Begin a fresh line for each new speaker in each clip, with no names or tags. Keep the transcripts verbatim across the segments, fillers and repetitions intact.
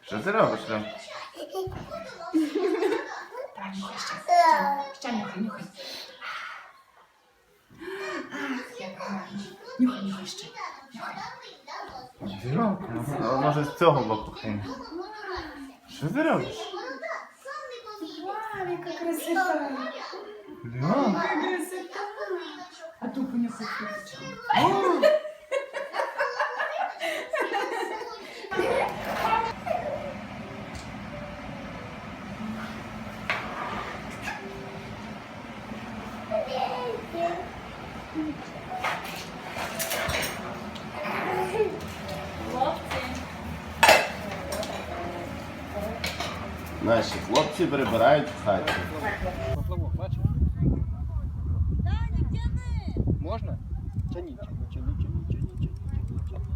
Що ти робиш там?
Ще нюхай, нюхай. Ах, як гарно. Нюхай, нюхай ще. Нюхай.
А може з цього боку хай. Що ти робиш?
Вау, яка красота.
Льон?
Яка красота. А ту понюхай квіточку.
Наші хлопці прибирають в хаті.
Поплавок, бачиш? Можна? Тяни, тяни, тяни, тяни, тяни, тяни,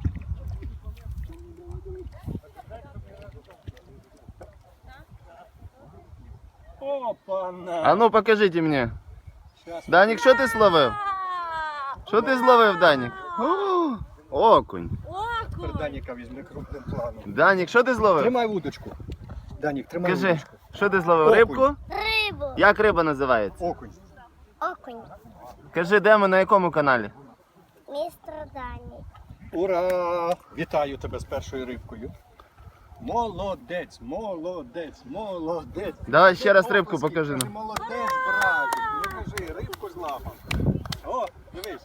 тяни. Опа-на!
А ну покажіть мені.
Щас.
Данік, що ти словив? Що ти зловив, Данік? О, окунь.
Тепер Даніка візьми крупним планом.
Данік, що ти зловив?
Тримай вудочку. Данік, тримай
Кажи,
вудочку.
що ти зловив?
Окунь.
Рибку?
Рибу.
Як риба називається?
Окунь.
Окунь.
Кажи, де ми, на якому каналі?
Містер Дані.
Ура! Вітаю тебе з першою рибкою. Молодець, молодець, молодець.
Давай ще раз рибку
Оплески.
покажи нам.
Кажи, молодець, братик. Ну кажи, рибку злапав. О, дивись.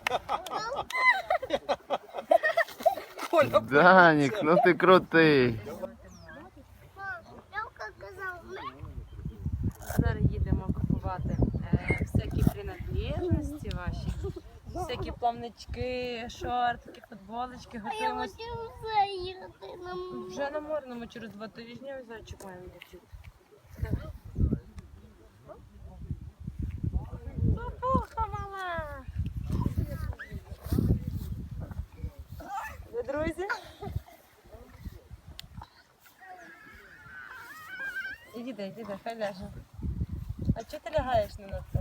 Коля,
Данік, ну ти крутий.
Льовка казав, ми.
Зараз їдемо купувати е, всякі принадлежності ваші, всякі плавнички, шортики, футболочки.
А я
Готуємось
хотів заїхати на море.
вже на морному через два тижні. Ось зараз чекаємо дівчат. Папуха, мама! Ви друзі? Іди, іди, хай ляже. А чого ти лягаєш не на це?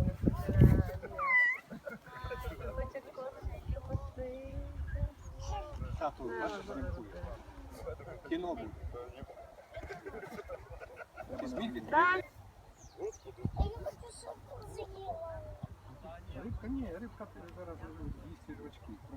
Хоче кошечки пустити.
тату, бачиш, рибкує. Кіно буде. Візьміть від
Так.
Я не хочу, щоб з'їла.
Рибка, ні, рибка зараз їсть рочки.